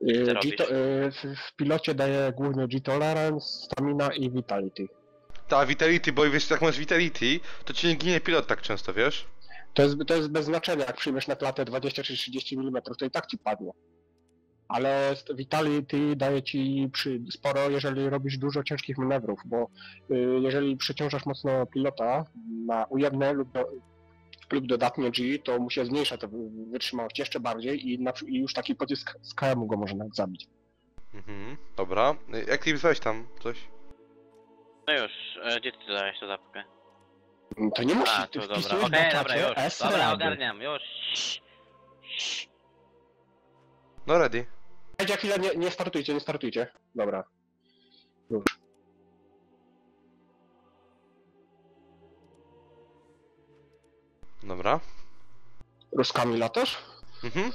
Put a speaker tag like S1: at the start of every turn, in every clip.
S1: Co robisz?
S2: W pilocie daje głównie G-Tolerance, Stamina i Vitality.
S3: Ta Vitality, bo wiesz, jak masz Vitality, to ci nie ginie pilot tak często, wiesz?
S2: To jest bez znaczenia, jak przyjmiesz na klatę 20 czy 30 mm, to i tak ci padnie. Ale Vitality daje ci sporo, jeżeli robisz dużo ciężkich manewrów, bo jeżeli przeciążasz mocno pilota na ujemne lub dodatnie G, to mu się zmniejsza tę wytrzymałość jeszcze bardziej i już taki pocisk z KM go może nawet zabić.
S3: Mhm, dobra. Jak ty weź tam coś?
S1: No już, gdzie ty dałeś tą zapkę?
S2: To nie musi,
S1: A,
S2: ty
S1: to dobra,
S2: wpisujesz
S1: okej,
S2: na
S1: dobra,
S2: czacie
S1: już.
S2: S
S1: Dobra,
S2: rady.
S1: ogarniam, już.
S3: No ready.
S2: Czekajcie chwilę, nie startujcie, nie startujcie. Dobra. Już.
S3: Dobra.
S2: Ruskami latasz?
S3: Mhm.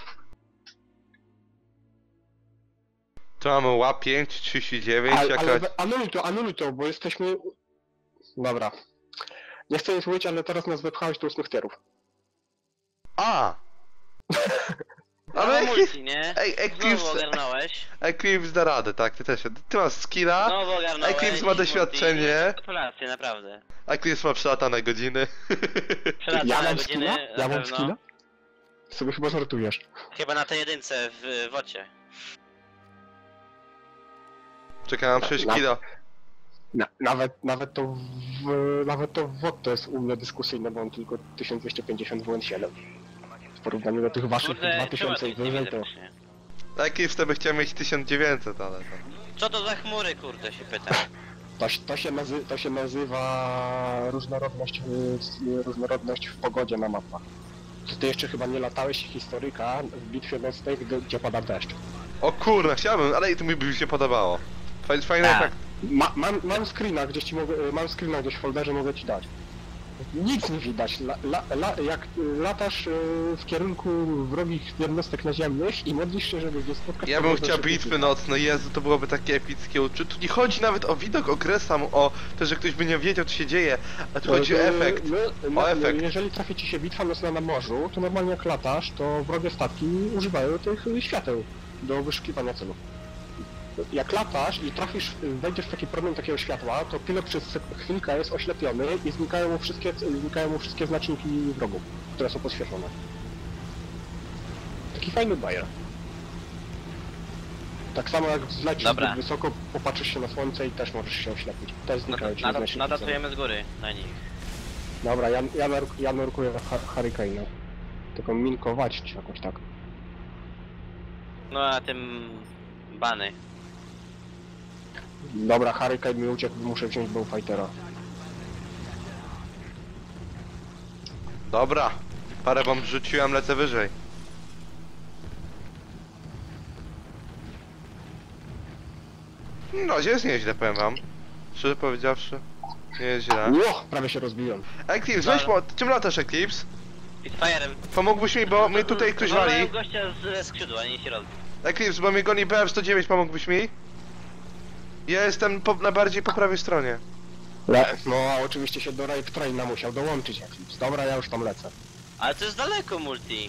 S3: Tu mamy ła5, 39, jakaś...
S2: Anuluj to, bo jesteśmy... Dobra. Nie chcę nic mówić, ale teraz nas wepchałeś do 8 tierów.
S3: A!
S1: Ale
S3: Ale
S1: multi, nie?
S3: Ej,
S1: Znowu ogarnąłeś.
S3: Eclipse da radę, tak, ty też. Ty masz skilla,
S1: Znowu ogarnąłeś.
S3: Eclipse ma doświadczenie.
S1: Gratulacje, naprawdę.
S3: Eclipse ma przelatane godziny.
S1: Przelatane
S2: Ja mam
S1: godziny,
S2: skilla?
S1: na
S2: Ja mam
S1: pewno.
S2: skilla? Sobie chyba żartujesz.
S1: Chyba na tej jedynce w wocie.
S3: Czekałem 6
S2: Na-
S3: kilo.
S2: Nawet to w WOT to jest u mnie dyskusyjne, bo on tylko 1250 WN7. W porównaniu do tych waszych
S1: Kurde,
S2: 2000
S1: czemu
S2: i
S1: to nie
S2: wyżej
S1: widzę
S2: to...
S1: właśnie?
S3: Eclipse to by chciał mieć 1900, ale to...
S1: Co to za chmury, kurde, się pytam.
S2: To się nazywa różnorodność w pogodzie na mapach. Ty jeszcze chyba nie latałeś historyka w bitwie nocnej, gdzie pada deszcz.
S3: O kurna, chciałbym, ale i to mi by się podobało. Fajny
S1: Tak.
S3: efekt.
S2: Mam screena gdzieś ci mogę, mam screena gdzieś w folderze, mogę ci dać. Nic nie widać. Jak latasz w kierunku wrogich jednostek naziemnych i modlisz się, żeby nie spotkać...
S3: Ja bym
S2: pogodę,
S3: chciał
S2: żeby
S3: bitwy
S2: ci-
S3: nocne, Jezu, to byłoby takie epickie uczucie. Tu nie chodzi nawet o widok, o grę samą, o to, że ktoś by nie wiedział, co się dzieje, a tu chodzi o efekt. O efekt.
S2: Jeżeli trafi ci się bitwa nocna na morzu, to normalnie jak latasz, to wrogie statki używają tych świateł do wyszukiwania celów. Jak latasz i trafisz, wejdziesz w taki promień takiego światła, to pilot przez chwilkę jest oślepiony i znikają mu wszystkie znaczniki wrogów, które są podświetlone. Taki fajny bajer. Tak samo jak zlecisz
S1: Dobra.
S2: zbyt wysoko, popatrzysz się na słońce i też możesz się oślepić. Też znikają ci znaczniki.
S1: Nadatujemy z góry na nich.
S2: Dobra, ja nurkuję Hurricane'a. Tylko minkować czy jakoś tak.
S1: No a tym... bany.
S2: Dobra, Hurricane mi uciekł, muszę wziąć Bowfightera.
S3: Dobra. Parę bomb rzuciłem, lecę wyżej. No, jest nieźle, powiem wam. Szczerze powiedziawszy, nie jest źle.
S2: Ło, prawie się rozbiłem.
S3: Eclipse, weź czym latasz, Eclipse?
S1: Spitfire'em.
S3: Pomógłbyś mi, bo mnie tutaj ktoś wali.
S1: Wolałem gościa ze skrzydła, nie się rozbił.
S3: Eclipse, bo mnie goni BF-109, pomógłbyś mi? Ja jestem na bardziej po prawej stronie.
S2: No, a oczywiście się do Rape Traina musiał dołączyć Eclipse. Dobra, ja już tam lecę.
S1: Ale to jest daleko multi.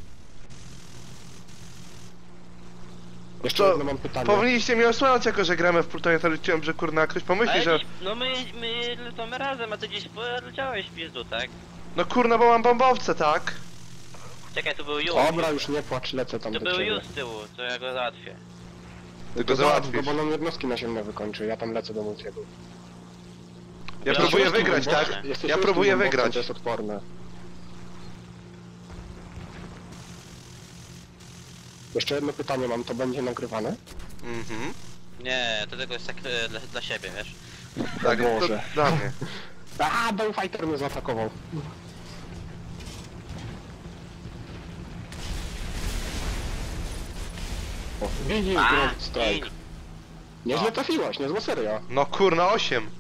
S2: Jeszcze
S3: To
S2: jedno mam pytanie.
S3: Powinniście mnie osłaniać, jako że gramy w Plutonie, to liczyłem, że kurna ktoś pomyśli,
S1: Ale
S3: że...
S1: gdzieś, no my lecimy razem, a ty gdzieś poleciałeś w pizdu, tak?
S3: No kurna, bo mam bombowce, tak?
S1: Czekaj, tu był Ju.
S2: Dobra, już nie płacz, lecę tam
S1: To
S2: do
S1: był
S2: ciebie.
S1: Ju z tyłu, to ja go załatwię.
S3: Ty
S2: To
S3: go
S2: załatw go,
S3: załatwisz.
S2: bo nam jednostki naziemne wykończy, ja tam lecę do Multiego.
S3: Ja próbuję wygrać, tak? Ja próbuję wygrać.
S2: To jest odporne. Jeszcze jedno pytanie mam, to będzie nagrywane?
S3: Mhm.
S1: Nie, to tylko jest tak dla siebie, wiesz?
S3: Tak, to
S2: Boże.
S3: dla mnie.
S2: A, Bowfighter mnie zaatakował. O, widzisz, Ground Strike.
S1: gin.
S2: Nieźle trafiłaś, niezła seria.
S3: No kurna, 8.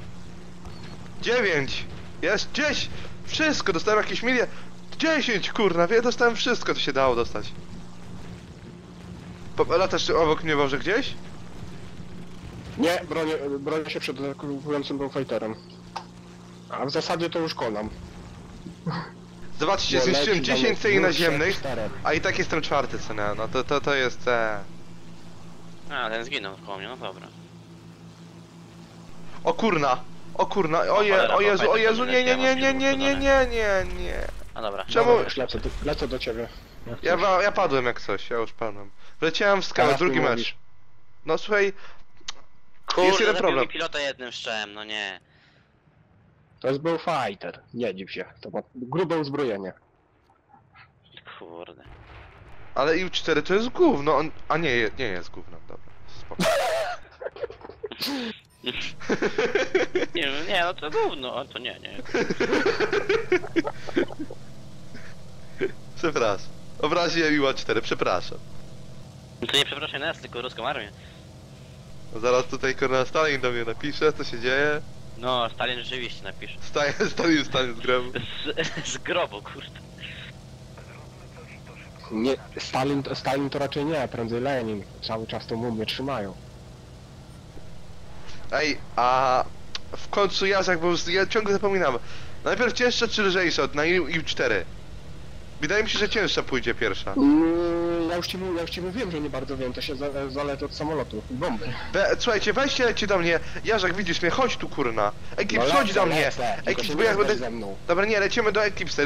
S3: 9. Jest 10. Wszystko, dostałem jakieś miliard. 10, kurna, dostałem wszystko, co się dało dostać. Latasz obok mnie może gdzieś?
S2: Nie, bronię się przed atakującym Bowfighterem. A w zasadzie to już konam.
S3: Zobaczcie,
S2: Bo
S3: zniszczyłem
S2: leci
S3: 10
S2: tam
S3: celi
S2: dwóch,
S3: naziemnych,
S2: trzech, czterech.
S3: a i tak jestem czwarty, co nie? No to jest...
S1: A, ten zginął koło mnie, no dobra.
S3: O kurna! O kurna!
S1: cholera,
S3: O Jezu,
S1: pamiętam,
S3: nie, nie, nie, nie, nie, nie, nie, nie, nie.
S1: A dobra.
S3: Czemu?
S2: Dobra, już lecę do ciebie. Jak coś.
S3: Ja padłem jak coś, ja już padłem. Wleciałem w skałę,
S2: Teraz
S3: drugi
S2: mi
S3: mecz.
S2: mówisz.
S3: No słuchaj,
S1: Kurde,
S3: jest jeden
S1: zabił
S3: problem.
S1: mi pilota jednym strzałem, no nie.
S2: To jest był fighter, nie dziw się. To ma grube uzbrojenie.
S1: Kurde.
S3: Ale IU-4 to jest gówno, a nie, nie jest gówno, dobra. Spoko.
S1: Nie, no to gówno, a to nie.
S3: Przepraszam. Obraziłem IU-4, przepraszam.
S1: No to nie przepraszaj nas, tylko ruską armię.
S3: No zaraz tutaj Kornel Stalin do mnie napisze, co się dzieje.
S1: No, Stalin rzeczywiście napisze.
S3: Stalin wstanie z grobu.
S1: Z grobu, kurde.
S2: Nie, Stalin to raczej nie, prędzej Lenin. Cały czas tą mumię trzymają.
S3: Ej, a w końcu Jacek, bo ja ciągle zapominam. Najpierw cięższa czy lżejsza na IU-4? Wydaje mi się, że cięższa pójdzie pierwsza.
S2: Ja już ci mówiłem, że nie bardzo wiem, to się zależy od samolotu i bomby.
S3: Słuchajcie, weźcie, lecie do mnie. Jarzak, widzisz mnie, chodź tu kurna. Eclipse,
S2: No
S3: chodź
S2: lecę,
S3: do mnie.
S2: lecę, tylko
S3: Eclipse,
S2: się
S3: bo
S2: nie
S3: ja będę...
S2: zderz ze mną.
S3: Dobra, nie, lecimy do Eclipse.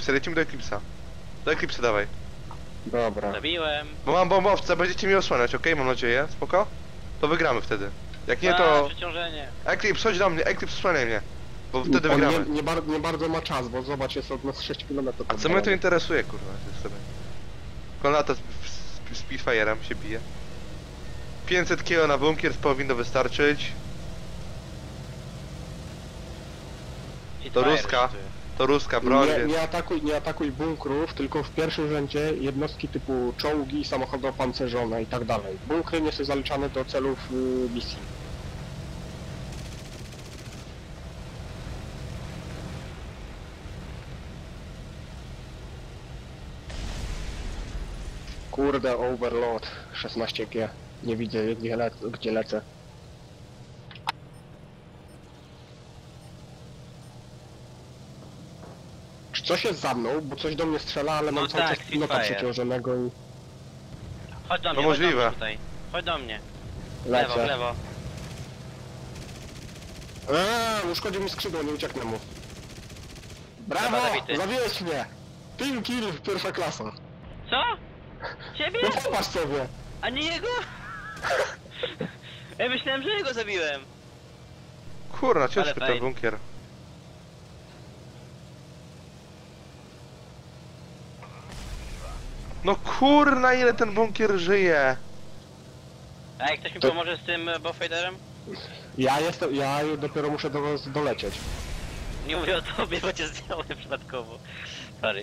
S3: Do Eclipse dawaj.
S2: Dobra.
S1: Zabiłem.
S3: Bo mam bombowca, będziecie mi osłaniać, okej? Mam nadzieję, spoko? To wygramy wtedy. Jak nie,
S1: A,
S3: to...
S1: przeciążenie.
S3: Eclipse, chodź do mnie, Eclipse, osłaniaj mnie. Bo wtedy
S2: On
S3: wygramy.
S2: nie bardzo ma czas, bo zobacz, jest od nas 6 km.
S3: A co mnie to interesuje, kurwa, jest sobie. Konata z Spitfire'em się bije. 500 kg na bunkier powinno wystarczyć. To ruska. To ruska broń, więc...
S2: Nie atakuj bunkrów, tylko w pierwszym rzędzie jednostki typu czołgi, samochody opancerzone i tak dalej. Bunkry nie są zaliczane do celów misji. Kurde, Overlord 16G. Nie widzę gdzie lecę. Czy coś jest za mną? Bo coś do mnie strzela, ale mam
S1: No
S2: cały
S1: tak,
S2: czas pilota
S1: Spitfire.
S2: przeciążonego i
S1: Chodź do mnie,
S3: To możliwe.
S1: Chodź do mnie tutaj. Chodź do mnie. W lewo, w
S2: lecę.
S1: lewo.
S2: Uszkodził mi skrzydło, nie ucieknę mu. Brawo!
S1: Dobra, zabity.
S2: Zabiłeś mnie! Team kill, pierwsza klasa.
S1: Co? Ciebie?
S2: No popatrz sobie!
S1: A nie jego? Ja myślałem, że jego zabiłem.
S3: Kurna, ciężki
S1: Ale
S3: ten
S1: fajnie.
S3: bunkier. No kurna, ile ten bunkier żyje.
S1: A jak ktoś mi
S2: To-
S1: pomoże z tym Bowfighterem?
S2: Ja dopiero muszę do was dolecieć.
S1: Nie mówię o tobie, bo cię zdjąłem przypadkowo. Sorry.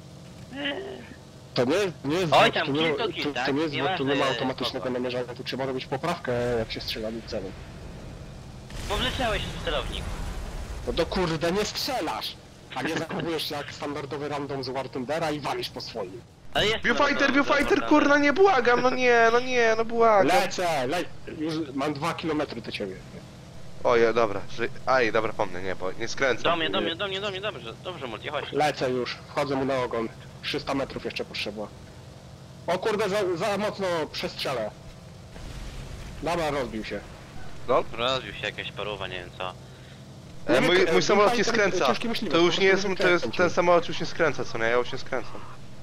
S2: To nie jest
S1: Oj,
S2: bot,
S1: tam
S2: to nie,
S1: kill to kill,
S2: to
S1: tak?
S2: nie jest bot, tu nie ma
S1: Nieważne,
S2: automatycznego
S1: kogo.
S2: namierzania, tu trzeba robić poprawkę jak się strzela do celu.
S1: Bo wleciałeś w celownik.
S2: No to kurde, nie strzelasz! A nie zachowujesz się jak standardowy random z War Thundera i walisz po swoim.
S1: Ale jest
S3: Viewfighter, kurna, nie błagam, no błagam.
S2: Lecę! Już mam 2 km do ciebie.
S3: Oje, dobra, dobra, pomnę, nie, bo nie skręcam.
S1: Do mnie, dobrze multi, chodź.
S2: Lecę już, wchodzę mu na ogon. 300 metrów jeszcze potrzeba. O kurde, za mocno przestrzelę. Dobra, rozbił się.
S1: Rozbił się jakaś paruwa, nie wiem co.
S3: Mój samolot nie skręca.
S2: ciężki myśliwy,
S3: To
S2: po
S3: już nie jest,
S2: prostu
S3: to jest,
S2: kręci.
S3: ten samolot już nie skręca, co nie, ja już nie skręcam.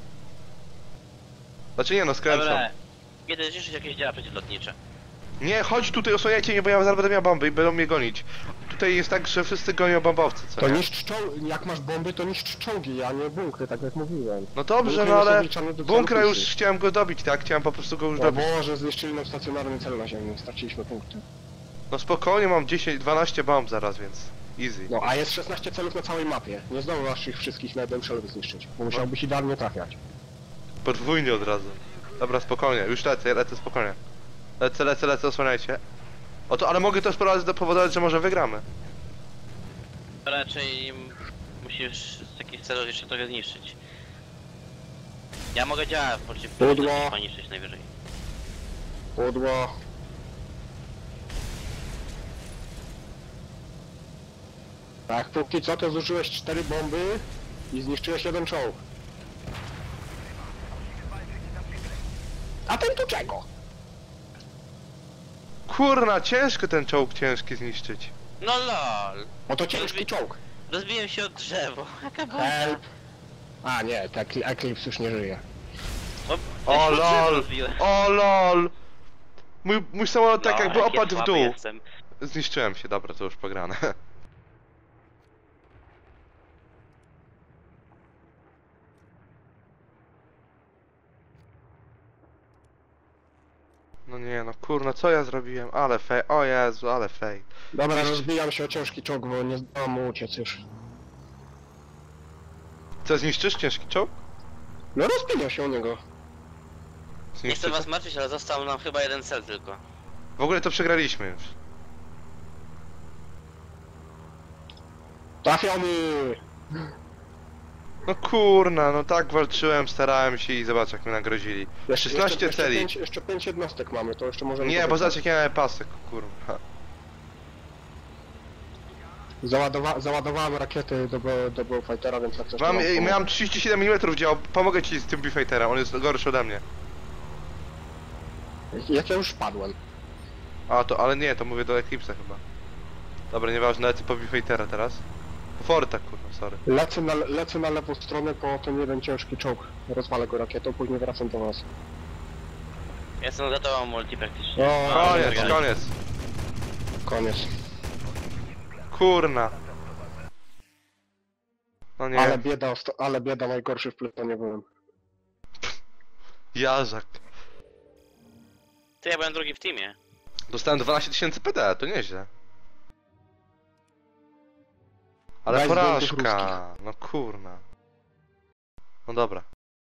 S3: Znaczy nie no, skręcam.
S1: Dobra. Kiedy zniszczyć jakieś działa przeciwlotnicze.
S3: Nie, chodź tutaj, osłaniajcie mnie, bo ja zaraz będę miał bomby i będą mnie gonić. Tutaj jest tak, że wszyscy gonią bombowcy, co
S2: To
S3: nie?
S2: niszcz czołgi, jak masz bomby, to niszcz czołgi, a nie bunkry, tak jak mówiłem.
S3: No dobrze,
S2: Bunkry
S3: no
S2: nie są
S3: ale
S2: wliczane do
S3: bunkra
S2: celu
S3: już
S2: misji.
S3: chciałem go dobić, tak? Chciałem po prostu go już
S2: O
S3: dobić.
S2: Boże, zniszczyli nam stacjonarny cel naziemny, straciliśmy punkty.
S3: No spokojnie, mam 10-12 bomb zaraz, więc easy.
S2: No, a jest 16 celów na całej mapie. Nie zdążysz ich wszystkich na jednym celu zniszczyć, bo musiałbyś idealnie trafiać.
S3: Podwójnie od razu. Dobra, spokojnie, już lecę spokojnie. Lecę, osłaniajcie. O to, ale mogę też powodować, że może wygramy.
S1: Raczej musisz z takich celów jeszcze trochę zniszczyć. Ja mogę działać
S2: Pudło.
S1: poniszczyć najwyżej.
S2: Pudło. Tak, póki co to zużyłeś 4 bomby I zniszczyłeś jeden czołg. A ten tu czego?
S3: Kurna, ciężko ten czołg ciężki zniszczyć.
S1: No lol.
S2: Bo to ciężki czołg.
S1: Rozbiłem się o drzewo. Jaka
S2: Help.
S1: bajka.
S2: A nie, tak Eclipse już nie żyje.
S1: O,
S3: O
S1: ja się od drzewa
S3: lol!
S1: rozbiłem.
S3: O lol! Mój samolot tak
S1: No,
S3: jakby
S1: jak
S3: opadł w
S1: słaby
S3: dół.
S1: jestem.
S3: Zniszczyłem się, dobra, to już pograne. No nie, no kurna, co ja zrobiłem? Ale fej, o Jezu, ale fej.
S2: Dobra,
S3: Jeszcze-
S2: rozbijam się o ciężki czołg, bo nie zdołam mu uciec już.
S3: Co, zniszczysz ciężki czołg?
S2: No rozbijam się o niego.
S1: Nie chcę
S3: Zniszczysz?
S1: was martwić, ale został nam chyba jeden cel tylko.
S3: W ogóle to przegraliśmy już.
S2: Trafiony!
S3: No kurna, no tak walczyłem, starałem się i zobacz jak mnie nagrozili. 16 celi.
S2: Jeszcze 5 jednostek mamy, to jeszcze możemy...
S3: Nie, bo
S2: powygrać.
S3: zobacz jak ja miałem pasek, kurwa.
S2: Załadowałem rakiety do Bowfightera, więc jak coś to
S3: Mam,
S2: wam pomogę.
S3: miałem 37 mm działał, pomogę ci z tym B-Fighterem, on jest gorszy ode mnie.
S2: Jak ja już wpadłem.
S3: A to, ale nie, to mówię do Eclipse'a chyba. Dobra, nieważne, lecę po B-Fightera teraz. Po Forta, kurwa, sorry.
S2: Lecę na lewą stronę po ten jeden ciężki czołg. Rozwalę go rakietą, później wracam do was.
S1: Ja jestem za tobą multi praktycznie.
S2: O,
S3: Koniec,
S1: wygrali.
S3: koniec.
S2: Koniec.
S3: Kurna. No nie,
S2: Ale bieda, najgorszy w plutonie byłem.
S3: jarzak.
S1: Ty, ja byłem drugi w teamie.
S3: Dostałem 12 000 PD, to nieźle. Ale
S2: Daj zdjętych
S3: porażka, no kurna. No dobra.